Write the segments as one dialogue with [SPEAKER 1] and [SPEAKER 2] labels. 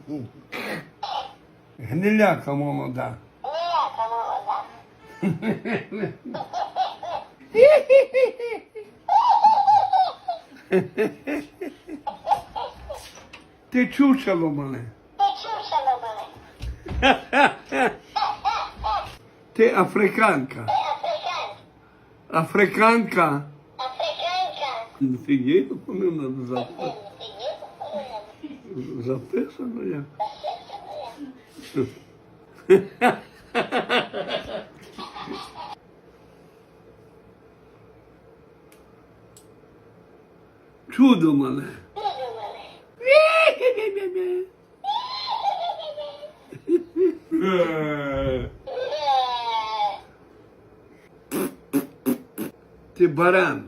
[SPEAKER 1] Гниляка молода. Ти чучело мене. Ти африканка. Африканка. Ти є, не надо записати. Записано я. Чудо мене. Ти баран.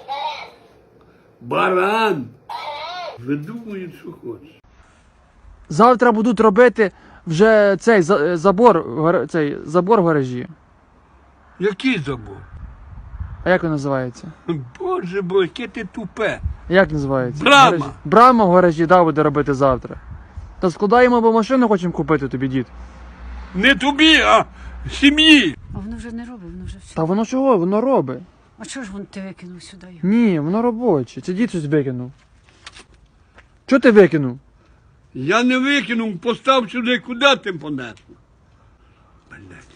[SPEAKER 1] Баран. Видумують, що хочеш.
[SPEAKER 2] Завтра будуть робити вже цей забор в гаражі.
[SPEAKER 1] Який забор?
[SPEAKER 2] А як він називається?
[SPEAKER 1] Боже бо, яке ти тупе.
[SPEAKER 2] Як називається?
[SPEAKER 1] Брама.
[SPEAKER 2] Гаражі. Брама в гаражі, да, буде робити завтра. Та складаємо, бо машину хочемо купити тобі, дід.
[SPEAKER 1] Не тобі, а сім'ї.
[SPEAKER 3] А воно вже не робить, воно вже все.
[SPEAKER 2] Та воно чого? Воно робить.
[SPEAKER 3] А чого ж він ти викинув сюди його?
[SPEAKER 2] Ні, воно робоче. Це дід щось викинув. Чого ти викинув?
[SPEAKER 1] Я не викинув, постав сюди, куди ти понесло? Блядь.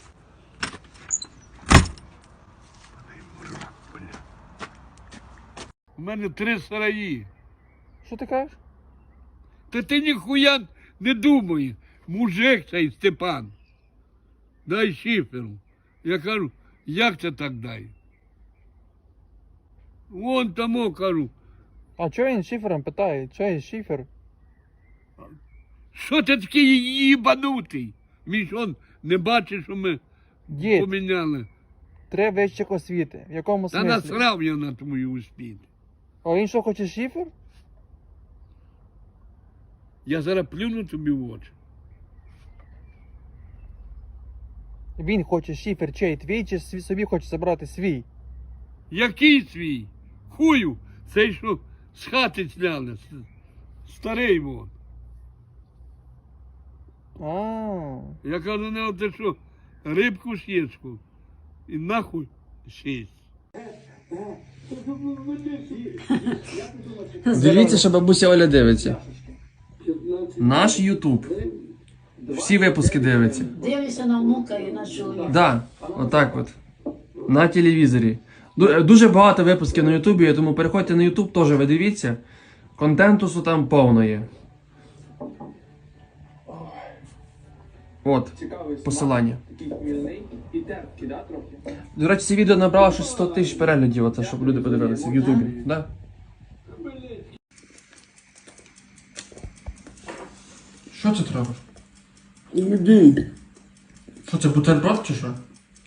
[SPEAKER 1] У мене 3 сараї.
[SPEAKER 2] Що ти кажеш?
[SPEAKER 1] Та ти ніхуя не думай. Мужик цей Степан. Дай шиферу. Я кажу, як це так дай? Вон тому кажу,
[SPEAKER 2] А чого він шифером питає? Чого він шифер?
[SPEAKER 1] що ти такий їбанутий? Він що, не бачиш, що ми
[SPEAKER 2] Дід,
[SPEAKER 1] поміняли?
[SPEAKER 2] треба вищих освіти. В якому
[SPEAKER 1] Та
[SPEAKER 2] смислі?
[SPEAKER 1] насрав я на твою успіх.
[SPEAKER 2] А він що, хоче шифер?
[SPEAKER 1] Я зараз плюну тобі в очі.
[SPEAKER 2] Він хоче шифер чей твій, чи собі хоче забрати свій?
[SPEAKER 1] Який свій? Хую, цей що з хати сняли, старий вон.
[SPEAKER 2] А,
[SPEAKER 1] Я кажу, не ти що, рибку сєчку і нахуй сість.
[SPEAKER 2] Дивіться, що бабуся Оля дивиться. Наш Ютуб. Всі випуски дивиться.
[SPEAKER 3] Дивлюся на внука і на чоловіка.
[SPEAKER 2] Да, отак от. На телевізорі. Дуже багато випусків на Ютубі, тому переходьте на Ютуб, теж ви дивіться. Контентусу там повно є. От, посилання. До речі, це відео набрало щось 100 тисяч переглядів, оце, щоб люди подивилися в Ютубі. Да? Що це треба?
[SPEAKER 1] Іди.
[SPEAKER 2] Що це, бутерброд чи що?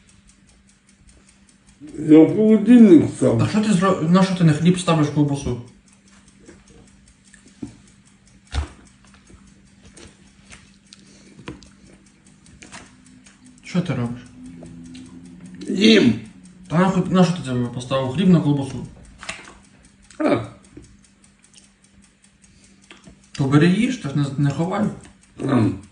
[SPEAKER 1] Я в холодильник став.
[SPEAKER 2] А що ти зробив? На що ти на хліб ставиш ковбасу? Що ти робиш?
[SPEAKER 1] Їм.
[SPEAKER 2] Та на що ти це поставив? Хліб на ковбасу?
[SPEAKER 1] А,
[SPEAKER 2] То бери їж, так не ховай.
[SPEAKER 1] а.